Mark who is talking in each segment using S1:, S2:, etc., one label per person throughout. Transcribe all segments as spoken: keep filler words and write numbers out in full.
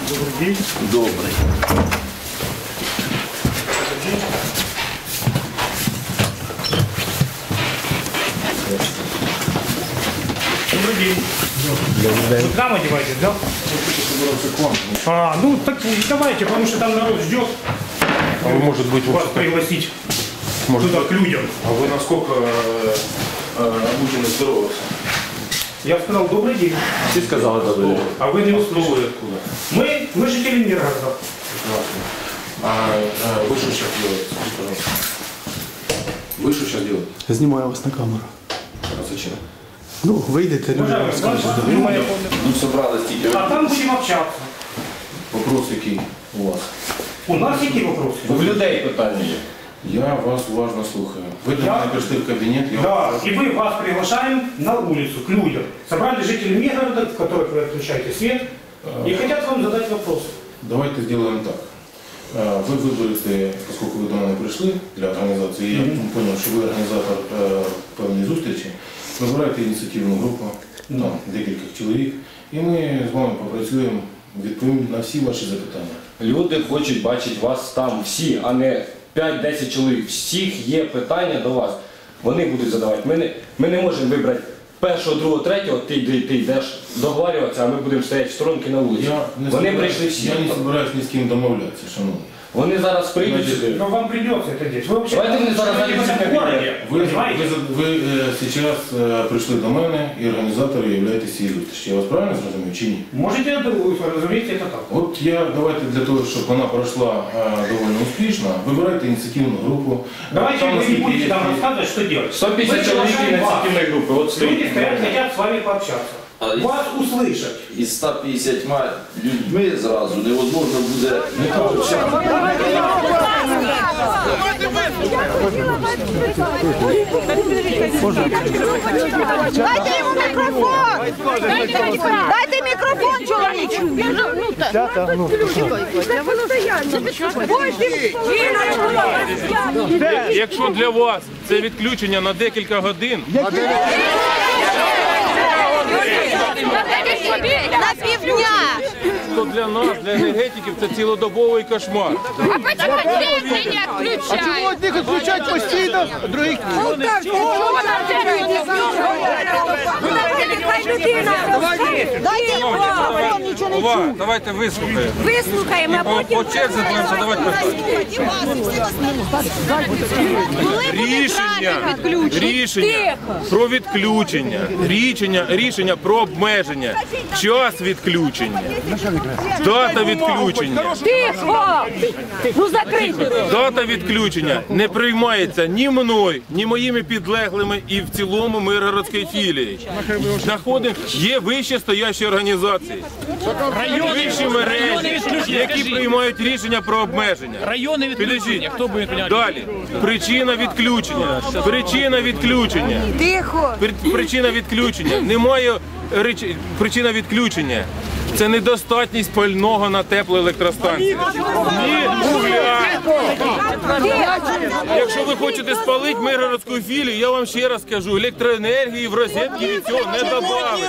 S1: Добрый день.
S2: Добрый.
S1: Добрый день. Вы к нам одеваетесь, да? А, ну так давайте, потому что там народ ждет.
S3: А вы, может быть,
S1: вас пригласить
S3: может
S1: туда
S3: быть,
S1: к людям.
S3: А вы насколько э, э, обучены здороваться?
S1: Я сказал добрый день.
S2: Ты сказал добрый день.
S1: А вы не услышали.
S3: Откуда?
S1: Мы, мы жители Миргорода.
S3: А, а вы что сейчас делаете? Скажите, пожалуйста. Вы что сейчас делаете?
S4: Я знімаю вас на камеру.
S3: А зачем?
S4: Ну, вийдете, люди вам скажуть.
S2: Ну, собралась тільки.
S1: А там будем общаться.
S3: Вопрос який у вас?
S1: У нас какие вопросы?
S2: В людей питання є.
S3: Я вас уважно слухаю. Ви до
S1: Я-
S3: мене прийшли в кабінет, я
S1: Да, и мы вас приглашаем на улицу, к людям. Собрали жители Миргорода, в которых вы отключаете свет, и хотят вам задать вопросы.
S3: Давайте сделаем так. Э, Вы выберете, поскольку вы до мене прийшли для організації, я зрозумів, що ви організатор е, певної зустрічі, вибирайте ініціативну групу, там декілька чоловік, і ми з вами попрацюємо, відповімо на всі ваші запитання.
S5: Люди хочуть бачити вас там всі, а не п'ять-десять чоловік. Всіх є питання до вас. Вони будуть задавати. Ми не, ми не можемо вибрати першого, другого, третього, ти, ти, ти йдеш договарюватися, а ми будемо стояти в сторонки на вулиці.
S3: Я не
S5: Вони
S3: собираюсь-
S5: прийшли всі.
S3: Я не збираюсь ні з ким домовлятися, шановні.
S5: Вони зараз прийдуть
S3: Значить,
S5: сюди.
S1: Но вам придется это делать. Вы вообще
S5: Давайте мы зараз
S1: живете в этом
S5: зайдем в
S1: городе,
S3: Ви, ви,
S1: понимаете?
S3: ви зараз е, прийшли до мене і організатором являєтесь цієї зустрічі. Я вас правильно зрозумів чи ні?
S1: Можете, разумеется, это так.
S3: От я, давайте для того, щоб вона пройшла е, доволі успішно, вибирайте ініціативну групу.
S1: Давайте
S3: Там,
S1: вы не
S3: наскільки
S1: будете
S3: я-
S1: нам рассказывать, что делать.
S5: сто п'ятдесят
S1: Мы
S5: чоловік
S1: приглашаем вас.
S5: ініціативної групи. От
S1: Люди
S5: стоїть.
S1: стоят, хотят с вами пообщаться.
S2: А из-
S1: Вас услышать.
S2: Із ста п'ятдесятьма людьми зразу невозможно буде не
S6: Дайте йому мікрофон! Дайте мікрофон, чоловічу!
S7: Якщо для вас це відключення на декілька годин,
S6: На півдня!
S7: то для нас, для енергетиків, це цілодобовий кошмар.
S6: А почему отдельно не отключают? А чего
S4: Одних відключають постійно, других ні.
S6: Дайте йому мікрофон, нічого не
S7: Ова,
S6: чую.
S7: давайте вислухаємо.
S6: Вислухаємо, а
S7: По,
S6: потім...
S7: по черзі будемо задавати питання. Рішення, рішення про відключення, рішення, рішення про обмеження, час відключення, дата відключення.
S6: Тихо! Ну закрийте!
S7: Дата відключення не приймається ні мною, ні моїми підлеглими і в цілому Миргородської філії. Знаходимо, є вище стоящі організації, вищі мережі, які приймають рішення про обмеження.
S8: Райони відключення. Хто буде прийняти?
S7: Далі. Причина відключення. Причина відключення.
S6: Тихо!
S7: При- Причина відключення. Немає реч- причина відключення. Це недостатність пального на теплоелектростанції. Ні вугля. Якщо ви хочете спалити Миргородську філію, я вам ще раз скажу, електроенергії в розетки від цього не добавить.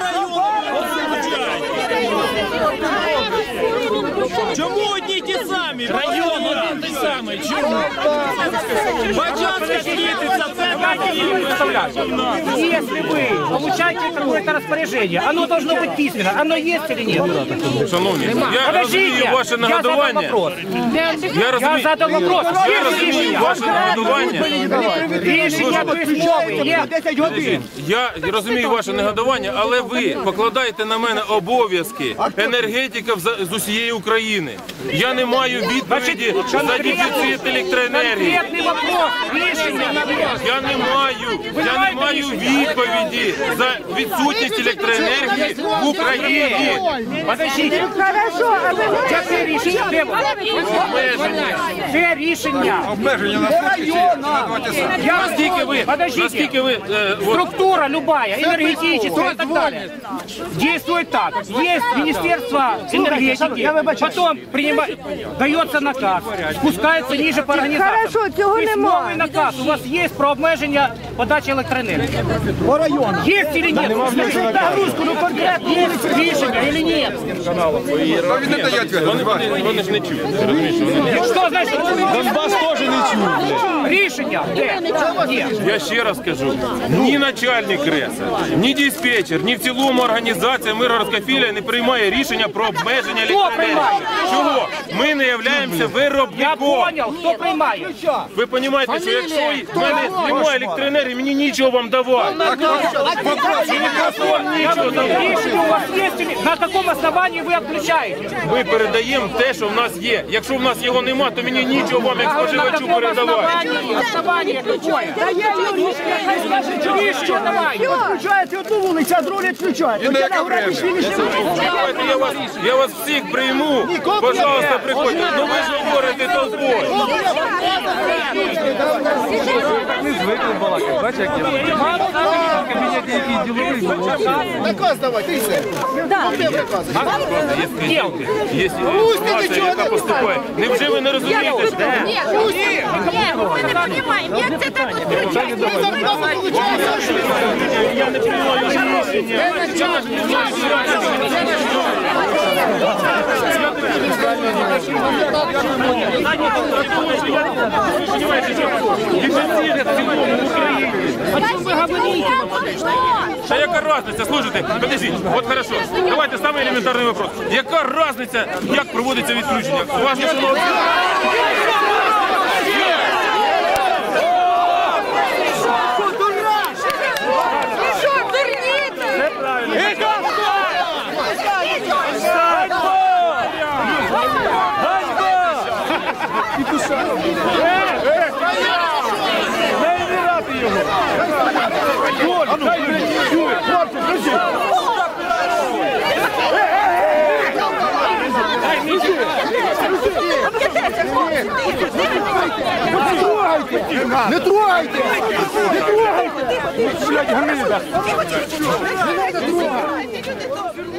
S8: Чому одні й ті самі? Район один той самий. Чому? Бачанська світиться, це
S1: Если вы получаете какое-то распоряжение, оно должно быть письменно. Оно есть или нет?
S7: Шановні, я
S1: Подождите,
S7: розумію ваше
S1: я задал
S7: нагадування.
S1: вопрос.
S7: Я
S1: Я
S7: розумію,
S1: задал вопрос.
S7: я розумію ваше нагадування.
S1: Рішення письмове є.
S7: Я розумію ваше негодування, але ви покладаєте на мене обов'язки енергетика з усієї України. Я не маю відповіді за дефіцит електроенергії.
S1: Конкретний вопрос. Рішення.
S7: Я не маю, я не маю відповіді за відсутність електроенергії в Україні.
S1: Подождите. Хорошо, а ви це рішення? Де воно? Це рішення. Обмеження на
S7: Наскільки ви,
S1: Подождите.
S7: наскільки ви, е, от,
S1: Структура любая, энергетическая и так далее, действует так. Есть Министерство энергетики, потом принимает, дается наказ, спускается ниже по организациям.
S6: Хорошо, цього
S1: Письмовый
S6: немає.
S1: наказ у вас есть про обмеження подачи электроэнергии? По району. Есть или нет? Нагрузку, ну, Есть рішення или нет?
S7: Вони, вони, вони ж не чують. Ти розумієш, що вони не чують.
S1: Що значить?
S8: Донбас теж не чув.
S1: Рішення? Де? Де?
S7: Я ще раз кажу, ні начальник РЕСа, ні диспетчер, ні в цілому організація Миргородська філія не приймає рішення про обмеження електроенергії.
S1: приймає?
S7: Чого? Ми не являємося
S1: Я
S7: виробником.
S1: понял, хто приймає?
S7: Ви розумієте, що якщо в мене немає електроенергії, мені нічого вам давати. Нічого давати.
S1: Рішення у вас є? На якому основанні ви відключаєте?
S7: Ми передаємо те, що в нас є. Якщо в нас його нема, то мені нічого вам як споживачу передавати.
S1: Основання какое? Рішення давай.
S4: Включаєте одну вулицю, а другу не включаєте.
S7: Давайте я вас, я вас всіх прийму. Пожалуйста, приходьте. Ну ви ж говорите толпою.
S4: Наказ давай, ти все.
S7: Є інформація, яка поступає. Невже ви не розумієте? що-
S6: Ні, ні, ми не розуміємо, як це так відключається.
S7: Я не приймаю рішення. Та яка разниця? Слушайте, подождіть, от хорошо. Давайте самий елементарний вопрос. Яка разниця, як проводиться відключення? У вас є що?
S6: Що, дурніте?
S4: Не трогайте! Не трогайте!
S6: Не треба трогати.